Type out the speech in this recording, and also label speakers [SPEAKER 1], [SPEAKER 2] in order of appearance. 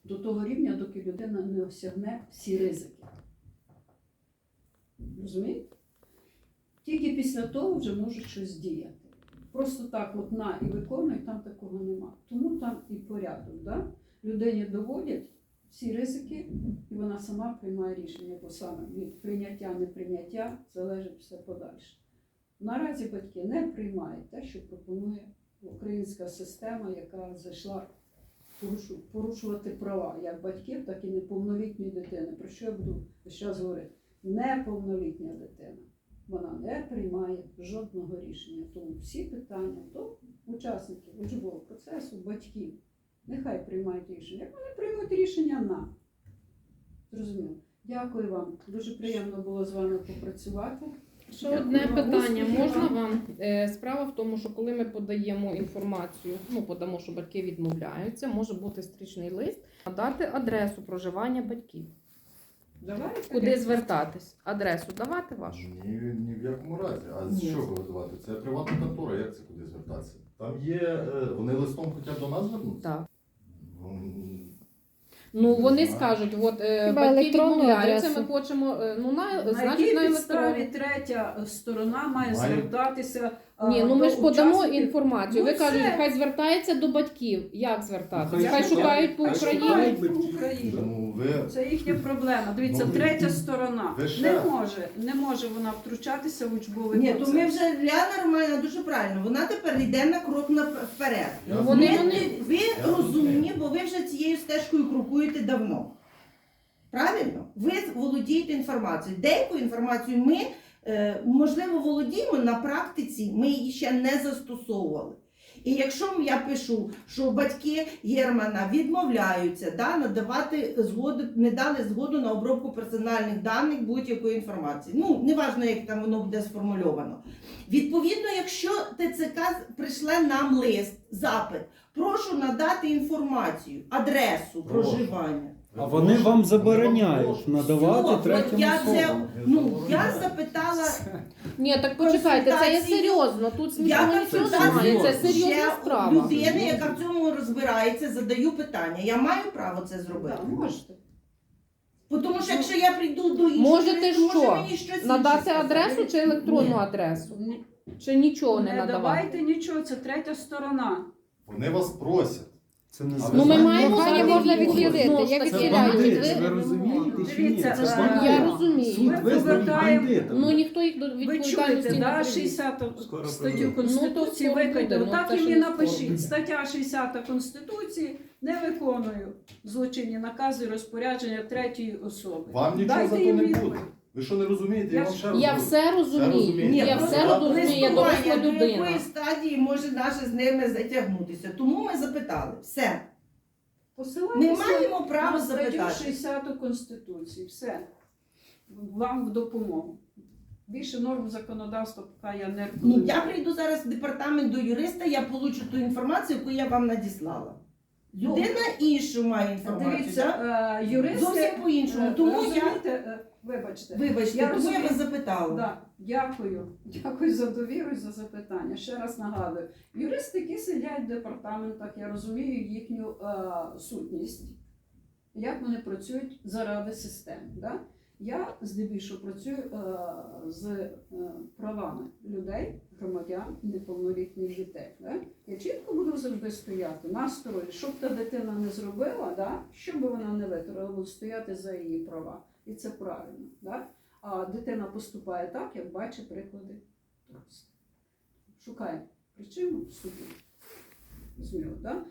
[SPEAKER 1] до того рівня, доки людина не осягне всі ризики. Розумієте? Тільки після того вже можуть щось діяти. Просто так от на і виконуй, там такого нема. Тому там і порядок. Да? Людині доводять всі ризики, і вона сама приймає рішення, бо саме від прийняття, неприйняття залежить все подальше. Наразі батьки не приймають те, що пропонує українська система, яка зайшла порушувати права як батьків, так і неповнолітньої дитини. Про що я буду зараз говорити? Неповнолітня дитина. Вона не приймає жодного рішення. Тому всі питання до учасників учбового процесу, батьків, нехай приймають рішення. Як вони приймуть рішення на. Зрозуміло. Дякую вам. Дуже приємно було з вами попрацювати.
[SPEAKER 2] Ще одне питання можна вам? Справа в тому, що коли ми подаємо інформацію, подамо, що батьки відмовляються, може бути стрічний лист, надати адресу проживання батьків.
[SPEAKER 1] Давайте.
[SPEAKER 2] Куди звертатись? Адресу давати вашу?
[SPEAKER 3] Ні в якому разі. А з чого видавати? Це приватна контора, як це куди звертатися? Там є, вони листом хочуть до нас звернутися?
[SPEAKER 2] Так.
[SPEAKER 3] Ну,
[SPEAKER 2] Вони скажуть, от батьки відмовляються, ми хочемо, значить на
[SPEAKER 1] підставі
[SPEAKER 2] електронну.
[SPEAKER 1] третя сторона має звертатися.
[SPEAKER 2] Ні, ми ж
[SPEAKER 1] до
[SPEAKER 2] подамо
[SPEAKER 1] учасників.
[SPEAKER 2] інформацію. Ви
[SPEAKER 1] Ну,
[SPEAKER 2] кажете,
[SPEAKER 1] це-
[SPEAKER 2] хай звертається до батьків. Як звертатися?
[SPEAKER 4] Хай
[SPEAKER 2] Хай шукають по
[SPEAKER 4] хай
[SPEAKER 2] Україні.
[SPEAKER 4] шукають.
[SPEAKER 1] По Україні.
[SPEAKER 3] Ну,
[SPEAKER 1] Це їхня проблема. Дивіться,
[SPEAKER 3] Ну,
[SPEAKER 1] третя сторона
[SPEAKER 3] ви ще-
[SPEAKER 1] не може вона втручатися в учбовий
[SPEAKER 5] Ні,
[SPEAKER 1] процес.
[SPEAKER 5] то ми вже Ляна Романівна дуже правильно. Вона тепер йде на крок вперед.
[SPEAKER 2] Вони-
[SPEAKER 5] Ви розумні, бо ви вже цією стежкою крокуєте давно. Правильно? Ви володієте інформацією. Деяку інформацію ми, можливо, володіємо на практиці, ми її ще не застосовували. І якщо я пишу, що батьки Германа відмовляються надавати згоду, не дали згоду на обробку персональних даних будь-якої інформації. Неважно, як там воно буде сформульовано. Відповідно, якщо ТЦК прийшле нам лист, запит, прошу надати інформацію, адресу проживання.
[SPEAKER 4] А вони вам забороняють надавати
[SPEAKER 5] Все,
[SPEAKER 4] третім
[SPEAKER 5] я
[SPEAKER 4] особам.
[SPEAKER 5] я запитала.
[SPEAKER 2] Ні, так почекайте, це є
[SPEAKER 5] Консультації.
[SPEAKER 2] серйозно. Тут
[SPEAKER 5] Я
[SPEAKER 2] смішного нічого немає. Це серйозна
[SPEAKER 5] ще
[SPEAKER 2] справа.
[SPEAKER 5] людини, яка в цьому розбирається, задаю питання. Я маю право це зробити?
[SPEAKER 1] Так, можете.
[SPEAKER 5] Тому що якщо я прийду до іншого,
[SPEAKER 2] Можете
[SPEAKER 5] то може
[SPEAKER 2] що?
[SPEAKER 5] мені щось інше
[SPEAKER 2] Надати
[SPEAKER 5] сказати.
[SPEAKER 2] адресу чи електронну
[SPEAKER 5] Ні.
[SPEAKER 2] адресу?
[SPEAKER 1] Ні.
[SPEAKER 2] Чи нічого не
[SPEAKER 1] Не
[SPEAKER 2] надавати?
[SPEAKER 1] давайте нічого, це третя сторона.
[SPEAKER 3] Вони вас просять.
[SPEAKER 4] Це не
[SPEAKER 3] Ну,
[SPEAKER 2] Ну, ми
[SPEAKER 3] Знаєте,
[SPEAKER 2] маємо
[SPEAKER 3] прохання
[SPEAKER 2] дати
[SPEAKER 3] можна
[SPEAKER 2] відповідь.
[SPEAKER 6] відхилити.
[SPEAKER 2] Знову ж
[SPEAKER 6] Як
[SPEAKER 2] таки,
[SPEAKER 4] Це
[SPEAKER 6] відхиляють?
[SPEAKER 4] бандити,
[SPEAKER 6] Ви-
[SPEAKER 4] ви розумієте чи ні?
[SPEAKER 1] Дивіться,
[SPEAKER 4] Це ж
[SPEAKER 1] я
[SPEAKER 4] бандити.
[SPEAKER 2] розумію.
[SPEAKER 4] Суд
[SPEAKER 1] Ми
[SPEAKER 4] визнав
[SPEAKER 1] повертаємо-
[SPEAKER 4] бандитами.
[SPEAKER 2] Ніхто їх до
[SPEAKER 1] Ви
[SPEAKER 2] відповідальності
[SPEAKER 1] чуєте,
[SPEAKER 2] не
[SPEAKER 1] да,
[SPEAKER 2] привів.
[SPEAKER 1] 60
[SPEAKER 4] Скоро
[SPEAKER 1] статтю
[SPEAKER 4] прийде.
[SPEAKER 1] Конституції
[SPEAKER 2] скоро
[SPEAKER 1] виконати.
[SPEAKER 2] буде,
[SPEAKER 1] Отак
[SPEAKER 2] це
[SPEAKER 1] і
[SPEAKER 2] ще
[SPEAKER 1] мені
[SPEAKER 2] не скоро.
[SPEAKER 1] напишіть. Стаття 60 Конституції не виконую злочинні накази і розпорядження третьої особи.
[SPEAKER 3] Вам нічого
[SPEAKER 1] Дайте
[SPEAKER 3] за то
[SPEAKER 1] їм
[SPEAKER 3] не
[SPEAKER 1] відповідь.
[SPEAKER 3] буде. Ви що не розумієте? Я вам ще раз
[SPEAKER 2] Я
[SPEAKER 3] говорю.
[SPEAKER 2] все розумію.
[SPEAKER 5] Ні,
[SPEAKER 2] Я
[SPEAKER 5] просто
[SPEAKER 2] все розумію, я доросла
[SPEAKER 5] листування, до
[SPEAKER 2] людина.
[SPEAKER 5] якої стадії може наше з ними затягнутися. Тому ми запитали. Все.
[SPEAKER 1] Посилайтеся
[SPEAKER 5] Ми маємо право
[SPEAKER 1] на статтю
[SPEAKER 5] запитати.
[SPEAKER 1] 60 Конституції. Все. Вам в допомогу. Більше норм законодавства поки я не рекомендую.
[SPEAKER 5] Я прийду зараз в департамент до юриста, я получу ту інформацію, яку я вам надіслала. Людина іншу має інформацію.
[SPEAKER 1] Дивіться,
[SPEAKER 5] так?
[SPEAKER 1] юристи...
[SPEAKER 5] Зовсім по-іншому. Тому я,
[SPEAKER 1] розумієте, вибачте.
[SPEAKER 5] вибачте,
[SPEAKER 1] Я
[SPEAKER 5] тому я
[SPEAKER 1] розумію.
[SPEAKER 5] вас запитала.
[SPEAKER 1] Да, дякую. Дякую за довіру і за запитання. Ще раз нагадую. Юристи, які сидять в департаментах, я розумію їхню сутність, як вони працюють заради системи. Да? Я здебільшого працюю з правами людей, громадян, неповнолітніх дітей. Да? Я чітко буду завжди стояти на стороні, щоб та дитина не зробила, да? що би вона не витратила, буду стояти за її права. І це правильно. Да? А дитина поступає так, як бачить приклади дорослих. Шукає причину в суді. Зміло, да?